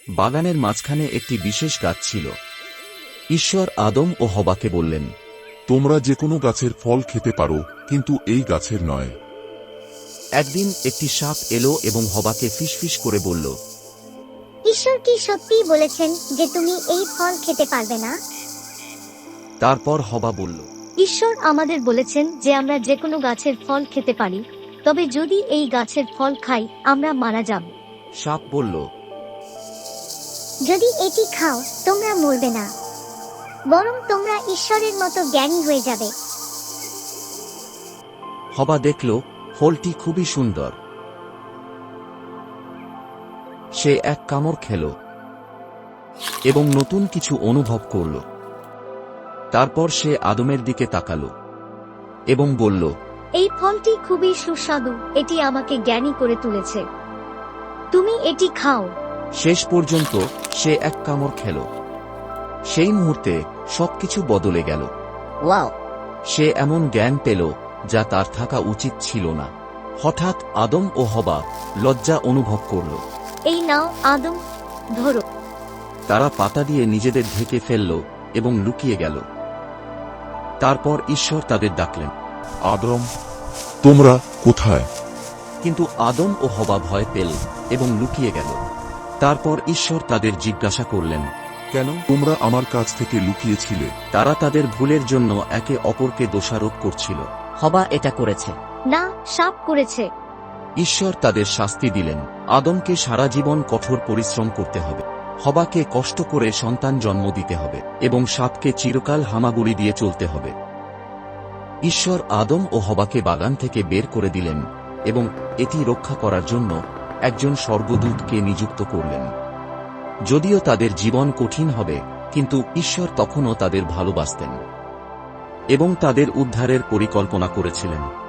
বাগানের মাঝখানে একটি বিশেষ গাছ ছিল। ঈশ্বর আদম ও হওয়াকে বললেন, তোমরা যে কোনো গাছের ফল খেতে পারো, কিন্তু এই গাছের নয়। একদিন একটি সাপ এলো এবং হওয়াকে ফিসফিস করে বলল, ঈশ্বর কি সত্যিই বলেছেন যে তুমি এই ফল খেতে পারবে না? তারপর হওয়া বলল, ঈশ্বর আমাদের বলেছেন যে আমরা যে কোনো গাছের ফল খেতে পারি, তবে যদি এই গাছের ফল খাই আমরা মারা যাব। সাপ বলল, যদি এটি খাও তোমরা মরবে না, বরং তোমরা ঈশ্বরের মতো জ্ঞানী হয়ে যাবে। হওয়া দেখল ফলটি খুবই সুন্দর। সে এক কামড় খেল এবং নতুন কিছু অনুভব করল। তারপর সে আদমের দিকে তাকালো এবং বলল, এই ফলটি খুবই সুস্বাদু, এটি আমাকে জ্ঞানী করে তুলেছে, তুমি এটি খাও। শেষ পর্যন্ত সে এক কামড় খেল। সেই মুহূর্তে সবকিছু বদলে গেল। ওয়াও! সে এমন জ্ঞান পেল যা তার থাকা উচিত ছিল না। হঠাৎ আদম ও হওয়া লজ্জা অনুভব করল। এই নাও আদম, ধরো। তারা পাতা দিয়ে নিজেদের ঢেকে ফেলল এবং লুকিয়ে গেল। তারপর ঈশ্বর তাদের ডাকলেন, আদম, তোমরা কোথায়? কিন্তু আদম ও হওয়া ভয় পেল এবং লুকিয়ে গেল। তারপর ঈশ্বর তাদের জিজ্ঞাসা করলেন, কেন তোমরা আমার কাছ থেকে লুকিয়েছিলে? তারা তাদের ভুলের জন্য একে অপরকে দোষারোপ করছিল। হওয়া এটা করেছে না, সাপ করেছে। ঈশ্বর তাদের শাস্তি দিলেন। আদমকে সারা জীবন কঠোর পরিশ্রম করতে হবে, হওয়াকে কষ্ট করে সন্তান জন্ম দিতে হবে এবং সাপকে চিরকাল হামাগুড়ি দিয়ে চলতে হবে। ঈশ্বর আদম ও হওয়াকে বাগান থেকে বের করে দিলেন এবং এটি রক্ষা করার জন্য একজন স্বর্গদূতকে নিযুক্ত করলেন। যদিও তাদের জীবন কঠিন হবে, কিন্তু ঈশ্বর তখনও তাদের ভালোবাসতেন এবং তাদের উদ্ধারের পরিকল্পনা করেছিলেন।